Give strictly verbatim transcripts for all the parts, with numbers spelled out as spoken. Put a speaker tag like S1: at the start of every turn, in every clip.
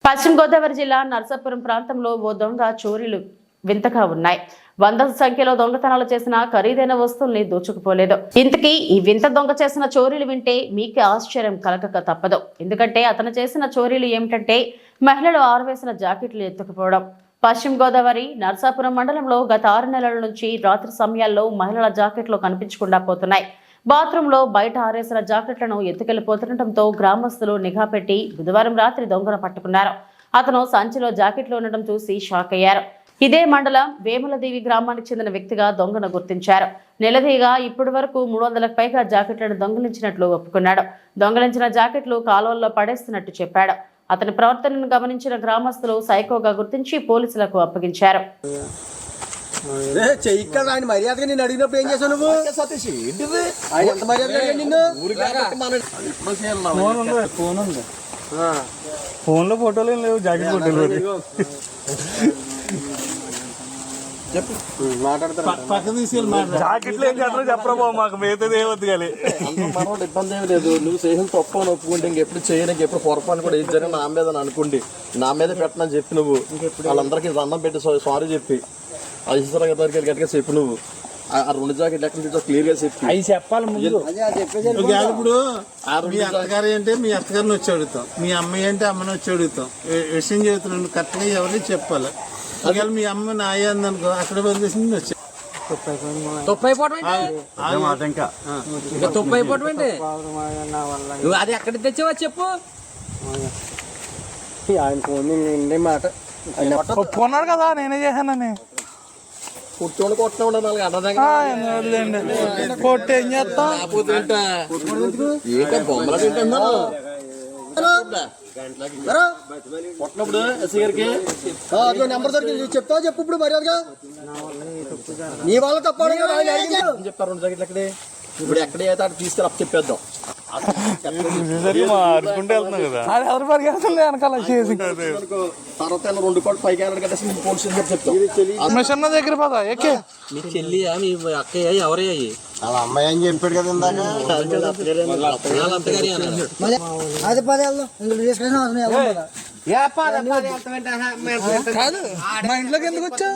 S1: పశ్చిమ గోదావరి జిల్లా నర్సాపురం ప్రాంతంలో ఓ దొంగ చోరీలు వింతగా ఉన్నాయి. వందల సంఖ్యలో దొంగతనాలు చేసిన ఖరీదైన వస్తువుల్ని దోచుకుపోలేదు. ఇంతకీ ఈ వింత దొంగ చేసిన చోరీలు వింటే మీకు ఆశ్చర్యం కలగక తప్పదు. ఎందుకంటే అతను చేసిన చోరీలు ఏమిటంటే మహిళలు ఆరవేసిన జాకెట్లు ఎత్తుకుపోవడం. పశ్చిమ గోదావరి నర్సాపురం మండలంలో గత ఆరు నెలల నుంచి రాత్రి సమయాల్లో మహిళల జాకెట్లు కనిపించకుండా పోతున్నాయి. బాత్రూంలో బయట ఆరేసిన జాకెట్లను ఎత్తుకెళ్లిపోతుండటంతో గ్రామస్తులు నిఘా పెట్టి బుధవారం రాత్రి దొంగను పట్టుకున్నారు. అతను సంచిలో జాకెట్లు ఉండడం చూసి షాక్ అయ్యారు. ఇదే మండలం వేములదేవి గ్రామానికి చెందిన వ్యక్తిగా దొంగను గుర్తించారు. నెలదీగా ఇప్పటి వరకు మూడు వందలకు పైగా జాకెట్లను దొంగిలించినట్లు ఒప్పుకున్నాడు. దొంగిలించిన జాకెట్లు కాలువల్లో పడేస్తున్నట్టు చెప్పాడు. అతని ప్రవర్తనను గమనించిన గ్రామస్తులు సైకోగా గుర్తించి పోలీసులకు అప్పగించారు.
S2: ఆయన మర్యాదగా నేను అడిగినప్పుడు ఏం చేశావు నువ్వు? సతీష్ ఏంటిది ఎంత మర్యాదగా నిన్ను
S3: ఫోన్ లో ఫోటోలు ఏం లేవు, జాకెట్ ఫోటోలు
S2: చెప్పు మాట్లాడతారు.
S3: జాకెట్లు ఏం చేస్తారో చెప్పరా బాబు, మాకు మిగతాది ఏమొద్దు కానీ
S2: మనోడు ఇబ్బంది ఏమి లేదు. నువ్వు చేసిన తప్పు అని ఒప్పుకుంటే ఇంకెప్పుడు చేయడానికి ఎప్పుడు పొరపాటు కూడా ఏది జరిగిన నా మీద అనుకోండి, నా మీద పెట్టనని చెప్పి నువ్వు వాళ్ళందరికీ దండం పెట్టి సారీ చెప్పి ఐశ్వర్య దగ్గరికి గట్టిగా చెప్పు. నువ్వు ఆ రెండు జాకెట్ లెక్క క్లియర్ గా చెప్పి
S3: అవి చెప్పాలి. ఇప్పుడు మీ అత్తగారు అంటే మీ అత్తగారిని వచ్చి అడుగుతాం, మీ అమ్మాయి అంటే అమ్మని వచ్చి అడుగుతాం. విషయం చెబుతున్నాను కరెక్ట్గా ఎవరిని చెప్పాలి. ఒకవేళ మీ అమ్మ నాయ అందనుకో అక్కడ వదిలేసింది వచ్చి
S2: అది ఎక్కడ తెచ్చావా చెప్పు. ఆయన ఫోన్ మాట
S3: ఒప్పుకున్నాడు కదా నేనే చేశానని.
S2: కూర్చోండి కొట్టిన ఉండాలి
S3: కొట్టి ఏం చేస్తాం,
S2: బొమ్మలు తింటున్నా కొట్టినప్పుడు ఎస్ఐ గారికి నెంబర్ దొరికి చెప్తావా చెప్పు. ఇప్పుడు మర్యాదగా నీ వాళ్ళ తప్ప చెప్తారు రెండు జాకెట్లు ఎక్కడే. ఇప్పుడు ఎక్కడే అయితే అక్కడ తీసుకెళ్ళి అప్పు చెప్పేద్దాం. తర్వాత రెండు కోట్లు పైకి
S3: చెప్తాం దగ్గర పదా ఎక్కే
S2: మీ చెల్లి మీ అక్కయ్య ఎవరయ్యాయి?
S4: వాళ్ళ అమ్మాయి అని చెప్పాడు కదా ఇందాక.
S5: అది పది
S3: కాదు మా ఇంట్లోకి ఎందుకు వచ్చా?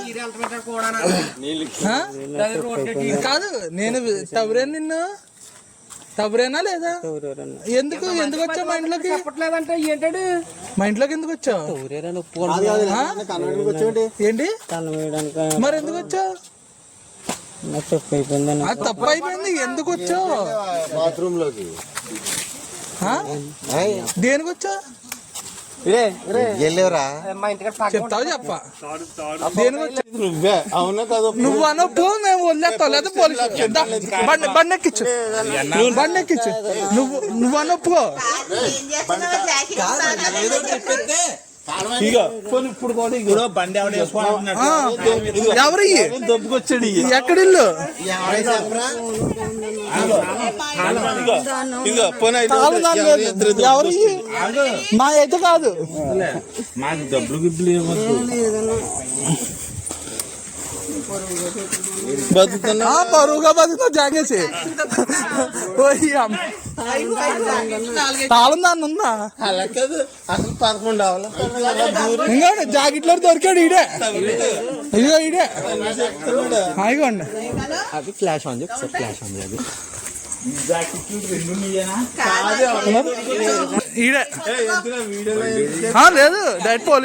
S3: కాదు నేను తవరే నిన్ను తవరేనా లేదా? ఎందుకు ఎందుకు వచ్చావు మా ఇంట్లోకి?
S5: చెప్పట్లేదంటే ఏంటాడు
S3: మా ఇంట్లోకి ఎందుకు వచ్చావు? ఏంటి మరి ఎందుకు వచ్చావు? అది తప్పు అయిపోయింది. ఎందుకు వచ్చావు?
S4: బాత్రూమ్ లోకి
S3: దేనికి వచ్చావు? చెప్తావు చెప్ప దేనికి వచ్చా?
S4: నువ్వే అవునా కదా?
S3: నువ్వు అనొప్పు మేము వదిలేస్తావు లేదా పోలీసు బండి బండి ఎక్కించు బండి ఎక్కించు. నువ్వు నువ్వు అనొప్పుకో.
S4: ఇప్పుడు కూడా బండి
S3: ఎవరు
S4: దొబ్బుకొచ్చాడు.
S3: ఎక్కడ ఇల్లు? ఎవరు మా అయితే కాదు.
S4: మాకు డబ్బులు గిబ్బులు ఏమొద్దు,
S3: బతుకుతున్నా బరువుగా బతుకుతా జాగేసి. తాళం దాన్ని ఉందా?
S4: అలా కాదు అసలు పదకొండు అవ్వాలి.
S3: ఇంకా జాకెట్లో దొరికాడు ఈడే. ఇదిగో ఈడే ఇగోండి.
S2: అది ఫ్లాష్ ఆన్ చేసి ఫ్లాష్ ఆన్ చేయాలి.
S3: ఈడే లేదు డైరెక్ట్ పోలీస్